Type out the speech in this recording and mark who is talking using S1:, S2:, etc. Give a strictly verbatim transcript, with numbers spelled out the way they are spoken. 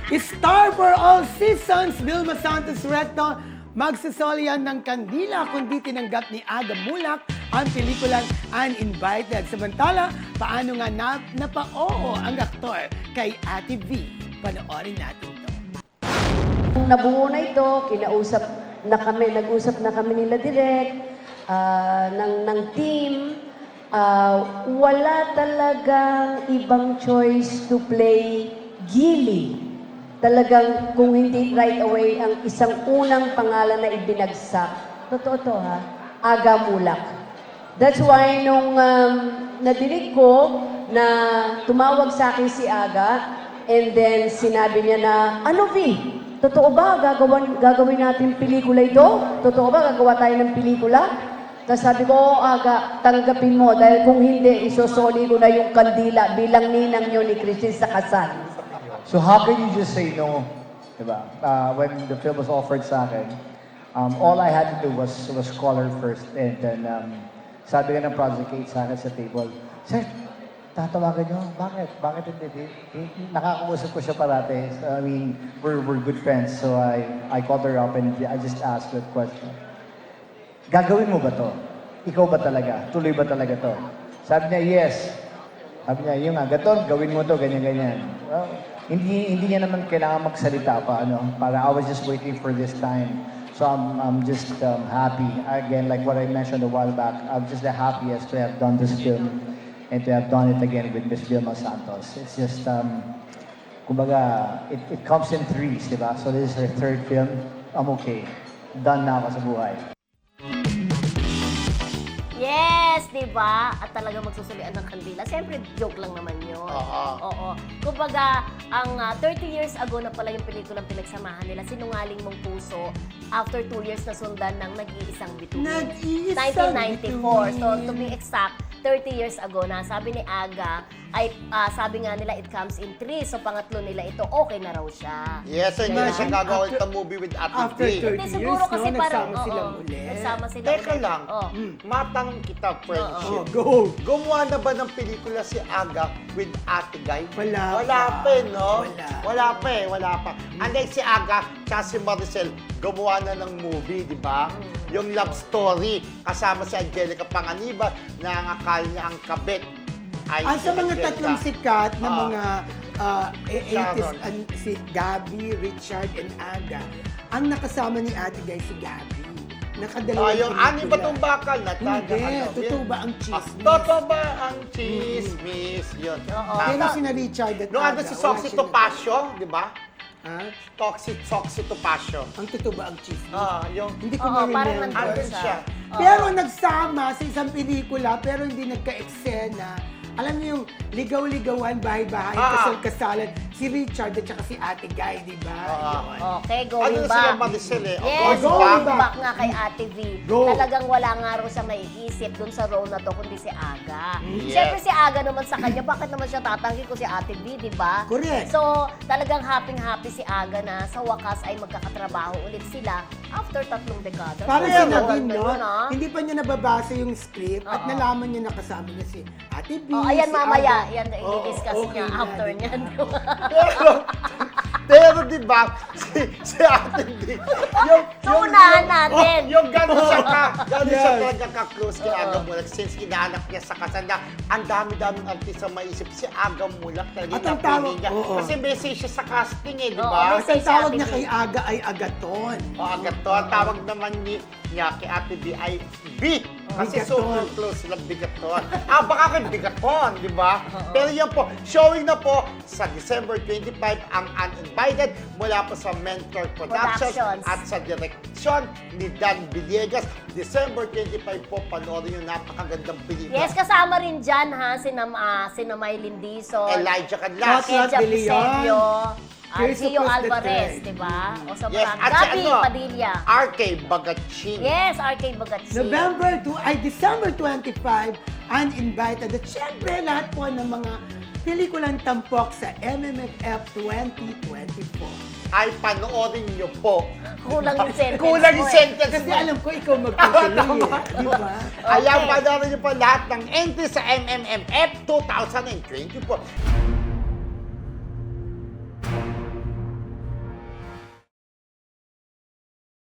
S1: Star for all seasons, Vilma Santos Recto, magsasoli yan ng kandila kundi tinanggap ni Aga Mulak ang pelikulang Uninvited. Samantala, paano nga na, napa-oo ang aktor kay Ate V? Panoorin natin to.
S2: Nung nabuo na ito, kinausap na kami, nag-usap na kami nila direct, ah, ng, ng team. Ah, wala talagang ibang choice to play Gilly. Talagang kung hindi right away ang isang unang pangalan na ibinagsak, totoo to ha, Aga Mulak. That's why nung um, nadinig ko na tumawag sa akin si Aga, and then sinabi niya na, ano V, totoo ba gagawin, gagawin natin pelikula ito? Totoo ba gagawa tayo ng pelikula? Tapos sabi ko, oh, Aga, tanggapin mo dahil kung hindi, isosoli ko na yung kandila bilang ninang nyo ni Christine sa kasal.
S3: So how can you just say no, diba? Uh, when the film was offered sa akin, um, all I had to do was was call her first, and then um, sabi ka ng Project eight sa akin sa table, Sir, tatawagan nyo? Bakit? Bakit hindi? Eh, nakakausap ko siya parate. So, I mean, we're, we're good friends, so I, I called her up and I just asked that question. Gagawin mo ba to? Ikaw ba talaga? Tuloy ba talaga to? Sabi niya, yes. Sabi niya, yung nga, gato, gawin mo to, ganyan-ganyan. Well, hindi hindi niya naman kailangan magsalita pa, ano, para I was just waiting for this time. So I'm, I'm just um, happy. Again, like what I mentioned a while back, I'm just the happiest to have done this film and to have done it again with Miss Vilma Santos. It's just, um, kumbaga, it, it comes in threes, di ba? So this is her third film. I'm okay. Done na ako sa buhay.
S4: Yes, di ba? At talaga magsusulian ng kandila. Siyempre, joke lang naman yun.
S5: Oo.
S4: Oo. Kumbaga, ang uh, thirty years ago na pala yung pelikulang pinagsamahan nila, Sinungaling Mong Puso, after two years na sundan ng Nag-iisang Bituin.
S1: Nag-iisang
S4: nineteen ninety-four.
S1: Bituin.
S4: So, to be exact, thirty years ago na, sabi ni Aga, ay ah, sabi nga nila, it comes in three. So, pangatlo nila ito, okay na raw siya.
S5: Yes, so hindi na siya
S1: Imagine,
S5: gagawa
S1: after-
S5: ng movie with Ate
S1: after
S5: V.
S1: thirty
S4: Hindi, siguro
S1: years,
S4: kasi
S1: no?
S4: parang,
S1: Nagsama sila
S4: oo,
S1: ulit.
S4: nagsama sila
S5: Teka
S4: ulit.
S5: lang,
S4: Oh.
S5: matanong kita, friendship.
S1: Oh, go!
S5: Gumawa na ba ng pelikula si Aga with Ate Guy?
S1: Wala
S5: Wala
S1: pa.
S5: pa, eh, no?
S1: Wala.
S5: Wala pa eh, wala pa. Unlike si Aga, tsaka si Maricel, gumawa na ng movie, di ba? Yung love story, kasama si Angelica Panganiban, na ang akala niya ang kabit ay
S1: Ang
S5: si
S1: sa mga
S5: Angelica.
S1: tatlong sikat na
S5: Ah.
S1: mga uh, eighties,
S5: Sharon.
S1: an, si Gabby, Richard, and Aga, ang nakasama ni Ate Guy si Gabby. Nakadalawang
S5: Ah, yung
S1: pelikula.
S5: ani ba itong bakal na taga?
S1: Hindi,
S5: ano,
S1: totoo
S5: yun?
S1: ba ang
S5: Ah,
S1: chismis?
S5: totoo ba ang chismis? Yun.
S4: Oo.
S1: Pero
S5: Tama.
S1: si na Richard at
S5: Nung ano
S1: Aga,
S5: si
S1: wala
S5: Soxy
S1: siya
S5: Topacio, di ba?
S1: na- Ha?
S5: Toxic Soxy Topacio.
S1: Ang totoo ba ang chismis?
S5: Ah, yung...
S1: Hindi ko
S4: Oo, parang
S1: ma-remember.
S4: nandun
S5: Andun siya.
S4: Oo.
S1: Pero nagsama sa isang pelikula, pero hindi nagka-eksena. Alam niyo yung ligaw-ligawan, bahay-bahay,
S5: Ah.
S1: kasal-kasalan, si Richard at saka si Ate Guy, di ba?
S5: Ah.
S1: Yun.
S4: Okay,
S5: Ano
S4: going
S5: na sila
S4: back.
S5: Maricel eh?
S4: Yes,
S1: Going
S4: going
S1: back.
S4: back nga kay Ate V.
S1: Go.
S4: Talagang wala nga raw siyang naiisip dun sa role na to, kundi si Aga.
S5: Yes.
S4: Siyempre si Aga naman sa kanya, bakit naman siya tatanggi ko si Ate V, di ba?
S1: Correct.
S4: So, talagang happy-happy si Aga na sa wakas ay magkakatrabaho ulit sila after tatlong dekada.
S1: Parang
S4: Kaya
S1: sinabi,
S4: maganda
S1: no?
S4: yun, ah.
S1: Hindi pa niya nababasa yung script at
S4: Oo.
S1: nalaman niya nakasama niya si Ate B,
S4: Oh, ayan
S1: si
S4: mamaya,
S1: Aga.
S4: yan
S1: Oo,
S4: i-discuss
S1: okay
S4: niya
S1: na,
S4: after
S1: di ba?
S4: niyan.
S5: Pero, pero di ba, si, si Ate D, yung,
S4: Unahan natin.
S5: Oh, yung gano'n siya ka, gano'n siya
S1: Yes.
S5: talaga ka-close kay Aga Mulak, since inaanak niya sa kasal na ang dami-daming artista maisip si Aga Mulak talaga
S1: At
S5: yung
S1: ang
S5: napili
S1: tawag-
S5: niya.
S1: oo.
S5: Kasi message siya sa casting eh, di
S4: Oo,
S5: ba?
S4: message.
S1: Ang tawag
S4: Si
S1: niya
S4: Ate
S1: kay
S4: B.
S1: Aga ay Agaton.
S5: O agad to, ang tawag naman ni, niya kay Ate B ay B. Kasi
S1: Bigaton.
S5: super close sila Bigaton. Ah, baka kay Bigaton, di ba? Pero yan po, showing na po sa December twenty-five ang Uninvited mula po sa Mentor Productions,
S4: Productions.
S5: at sa direksyon ni Dan Villegas. December twenty-five po, panoorin yung napakagandang pelikula.
S4: Yes, kasama rin dyan ha, si, Nam, ah, si Namay Lindison,
S5: Elijah Cadlas.
S1: At- Lat
S4: Kecha
S1: de Leon,
S4: Pisenyo, uh,
S1: Tirso
S4: Gio
S1: Cruz the
S4: Alvarez,
S1: third.
S4: di ba? O sa
S5: Yes,
S4: marami.
S5: at si
S4: Gabi
S5: ano,
S4: Padilla.
S5: R K Bagatching.
S4: Yes, R K Bagatsi.
S1: November two, ay December twenty-five, Uninvited. At syempre, lahat po ng mga pelikulang tampok sa M M F F twenty twenty-four.
S5: Ay panoorin niyo po.
S4: Kulang yung sentence
S5: Kulang
S4: mo
S5: yung
S4: eh.
S5: sentence
S1: Kasi
S5: mo.
S1: alam ko, ikaw magtutuloy eh. Di ba?
S5: Ayan,
S4: Okay.
S5: panoorin niyo po lahat ng entry sa M M M F twenty twenty-four.